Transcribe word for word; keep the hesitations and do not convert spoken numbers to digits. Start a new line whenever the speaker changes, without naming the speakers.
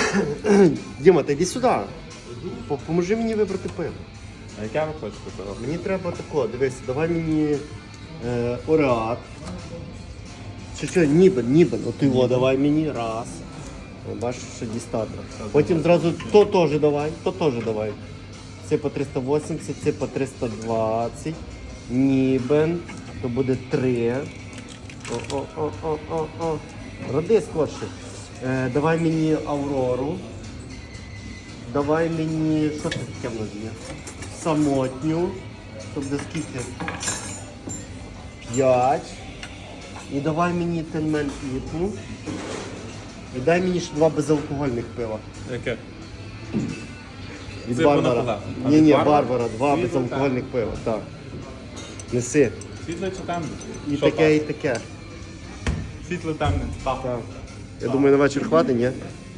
Діма, ти йди сюди. По- Поможи мені вибрати пиво.
А яке ви хочете пиво?
Мені треба тако, дивись, давай мені е, Ореат. Чи що, Нібен, Нібен, от його давай мені, раз. О, бачиш, що дістати. Потім зразу то теж давай, то теж давай. Це по триста вісімдесят, це по триста двадцять. Нібен, то буде три. О-о-о-о-о-о. Роди скорше. Е, давай мені Аврору. Давай мені, що це таке в нас є? Самотню. Тобто скільки? П'ять. І давай мені Тенмен Ітну. І дай мені ще два безалкогольних пива.
Яке?
Від
Це
Барбара.
Бонапарта. А
Ні,
від
ні,
Барбара?
Барбара, два
Світло,
безалкогольних пива. Так. Неси.
Світле чи темне?
І
Що
таке, і
так?
таке.
Світле темне. Так.
Так. Я думаю, на вечір хватить, ні?